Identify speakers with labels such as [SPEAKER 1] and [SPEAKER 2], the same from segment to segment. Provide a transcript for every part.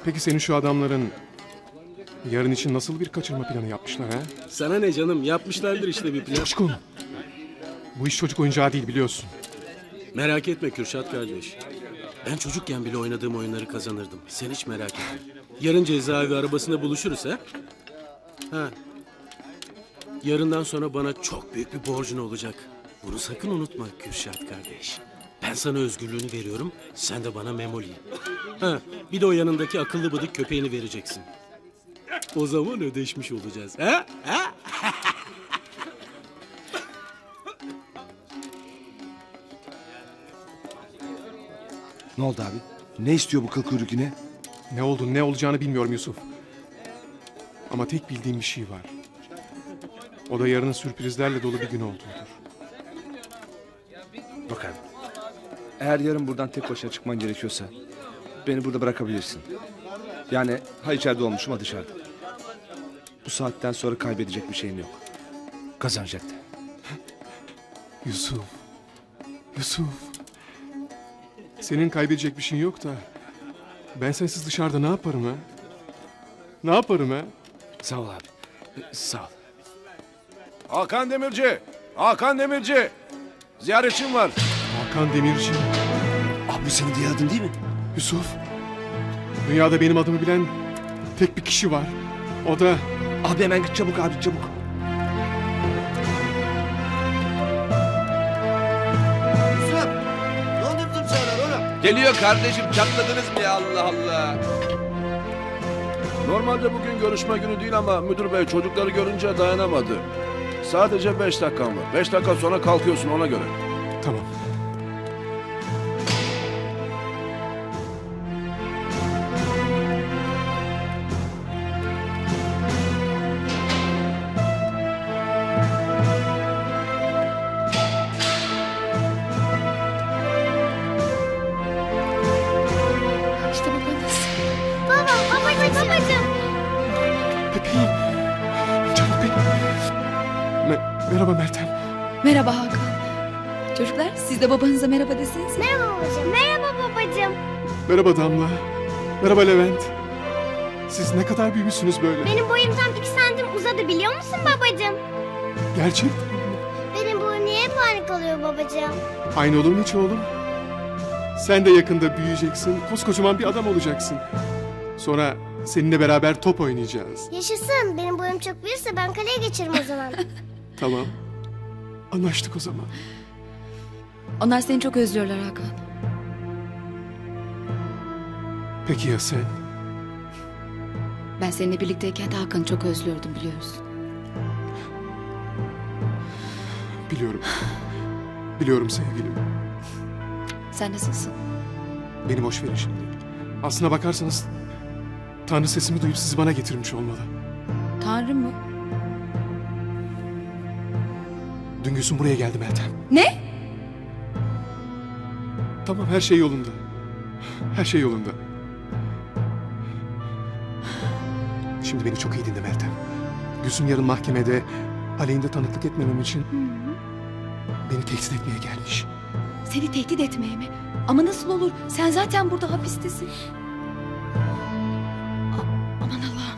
[SPEAKER 1] Peki senin şu adamların yarın için nasıl bir kaçırma planı yapmışlar ha?
[SPEAKER 2] Sana ne canım, yapmışlardır işte bir plan.
[SPEAKER 1] Coşkun. Bu iş çocuk oyuncağı değil biliyorsun.
[SPEAKER 2] Merak etme Kürşat kardeş. Ben çocukken bile oynadığım oyunları kazanırdım. Sen hiç merak etme. Yarın cezaevi arabasında buluşuruz ha? Ha. Yarından sonra bana çok büyük bir borcun olacak. Bunu sakın unutma Kürşat kardeş. Ben sana özgürlüğünü veriyorum, sen de bana Memoli'yi. Ha, bir de o yanındaki akıllı bıdık köpeğini vereceksin. O zaman ödeşmiş olacağız. Ha? Ha?
[SPEAKER 3] Ne oldu abi? Ne istiyor bu kıl kuyruk yine?
[SPEAKER 1] Ne oldu ne olacağını bilmiyorum Yusuf. Ama tek bildiğim bir şey var. O da yarının sürprizlerle dolu bir gün olduğudur.
[SPEAKER 3] Bak abi. Eğer yarın buradan tek başına çıkman gerekiyorsa beni burada bırakabilirsin. Yani ha içeride olmuşum ha dışarıda. Bu saatten sonra kaybedecek bir şeyim yok. Kazanacak da.
[SPEAKER 1] Yusuf. Yusuf. Senin kaybedecek bir şeyin yok da ben sensiz dışarıda ne yaparım ha? Ne yaparım ha?
[SPEAKER 3] Sağ ol abi. Sağ ol.
[SPEAKER 4] Hakan Demirci! Hakan Demirci! Ziyaretçim var.
[SPEAKER 1] Hakan Demirci.
[SPEAKER 3] Abi bu senin diğer adın değil mi?
[SPEAKER 1] Yusuf. Dünyada benim adımı bilen tek bir kişi var. O da
[SPEAKER 3] Abi hemen git çabuk abi çabuk.
[SPEAKER 5] Yusuf! Ne oldu bizim çağlar oğlum?
[SPEAKER 6] Geliyor kardeşim, çatladınız mı ya, Allah Allah.
[SPEAKER 4] Normalde bugün görüşme günü değil ama müdür bey çocukları görünce dayanamadı. Sadece 5 dakikan var. 5 dakika sonra kalkıyorsun ona göre.
[SPEAKER 1] tamam.
[SPEAKER 7] İşte babanız. Babacığım.
[SPEAKER 1] Bebeğim. Canım benim. Merhaba Meltem.
[SPEAKER 7] Merhaba Hakan. Çocuklar siz de babanıza merhaba desenize.
[SPEAKER 8] Merhaba babacığım. Merhaba babacığım.
[SPEAKER 1] Merhaba Damla. Merhaba Levent. Siz ne kadar büyümüşsünüz böyle.
[SPEAKER 8] Benim boyum tam 2 santim uzadı biliyor musun babacığım?
[SPEAKER 1] Gerçekten.
[SPEAKER 8] Benim boyum niye hep aynı kalıyor babacığım?
[SPEAKER 1] Aynı olur mu hiç oğlum? Sen de yakında büyüyeceksin. Koskocaman bir adam olacaksın. Sonra seninle beraber top oynayacağız.
[SPEAKER 8] Yaşasın. Benim boyum çok büyürse ben kaleye geçerim o zaman.
[SPEAKER 1] Tamam. Anlaştık o zaman.
[SPEAKER 7] Onlar seni çok özlüyorlar Hakan.
[SPEAKER 1] Peki ya sen?
[SPEAKER 7] Ben seninle birlikteyken de Hakan'ı çok özlüyordum biliyorsun.
[SPEAKER 1] Biliyorum. Biliyorum sevgilim.
[SPEAKER 7] Sen nasılsın?
[SPEAKER 1] Beni boş verin şimdi. Aslına bakarsanız Tanrı sesimi duyup sizi bana getirmiş olmalı.
[SPEAKER 7] Tanrı mı?
[SPEAKER 1] Dün Gülsüm buraya geldi Meltem.
[SPEAKER 7] Ne?
[SPEAKER 1] Tamam her şey yolunda. Her şey yolunda. Şimdi beni çok iyi dinle Meltem. Gülsüm yarın mahkemede aleyhinde tanıklık etmemem için beni tehdit etmeye gelmiş.
[SPEAKER 7] Seni tehdit etmeye mi? Ama nasıl olur? Sen zaten burada hapistesin. Aman Allah'ım.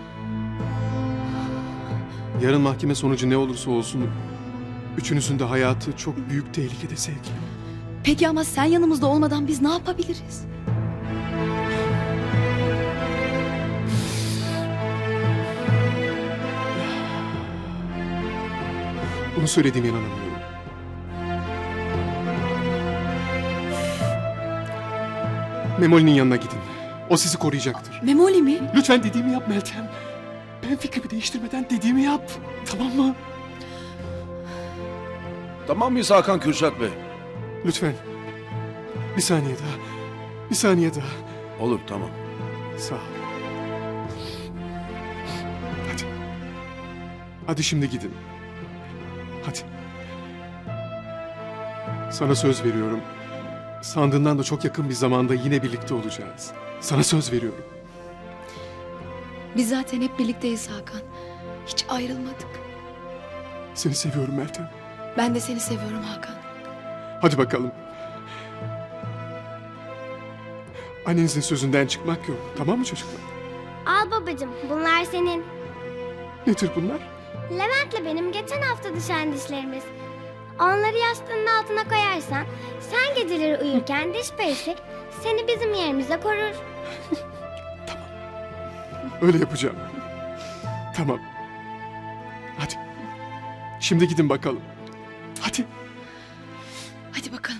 [SPEAKER 1] Yarın mahkeme sonucu ne olursa olsun üçünüzün de hayatı çok büyük tehlikede sevgilim.
[SPEAKER 7] Peki ama sen yanımızda olmadan biz ne yapabiliriz?
[SPEAKER 1] Bunu söylediğime inanamıyorum. Memoli'nin yanına gidin. O sizi koruyacaktır.
[SPEAKER 7] Memoli mi?
[SPEAKER 1] Lütfen dediğimi yap Meltem. Ben fikrimi değiştirmeden dediğimi yap. Tamam mı?
[SPEAKER 4] Tamam mıyız Hakan Kürşat Bey?
[SPEAKER 1] Lütfen. Bir saniye daha. Bir saniye daha.
[SPEAKER 4] Olur tamam.
[SPEAKER 1] Sağ ol. Hadi. Hadi şimdi gidin. Hadi. Sana söz veriyorum. Sandığından da çok yakın bir zamanda yine birlikte olacağız. Sana söz veriyorum.
[SPEAKER 7] Biz zaten hep birlikteyiz Hakan. Hiç ayrılmadık.
[SPEAKER 1] Seni seviyorum Meltem.
[SPEAKER 7] Ben de seni seviyorum Hakan.
[SPEAKER 1] Hadi bakalım. Annenizin sözünden çıkmak yok. Tamam mı çocuklar?
[SPEAKER 8] Al babacığım, bunlar senin.
[SPEAKER 1] Nedir bunlar?
[SPEAKER 8] Levent'le benim geçen hafta düşen dişlerimiz. Onları yastığının altına koyarsan, sen geceleri uyurken diş perisi seni bizim yerimize korur.
[SPEAKER 1] Öyle yapacağım. Tamam. Hadi. Şimdi gidin bakalım. Hadi.
[SPEAKER 7] Hadi bakalım.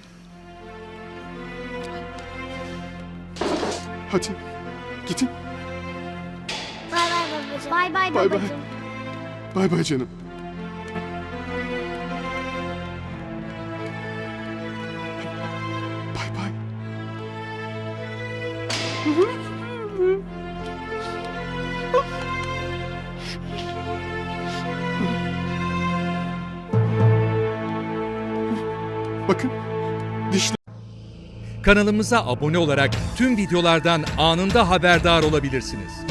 [SPEAKER 1] Hadi. Gidin.
[SPEAKER 8] Bay bay babacığım. Bay bay
[SPEAKER 1] Bay bay.
[SPEAKER 8] babacığım.
[SPEAKER 1] Bay bay canım. Bay bay. Bakın. Dişler.
[SPEAKER 9] Kanalımıza abone olarak tüm videolardan anında haberdar olabilirsiniz.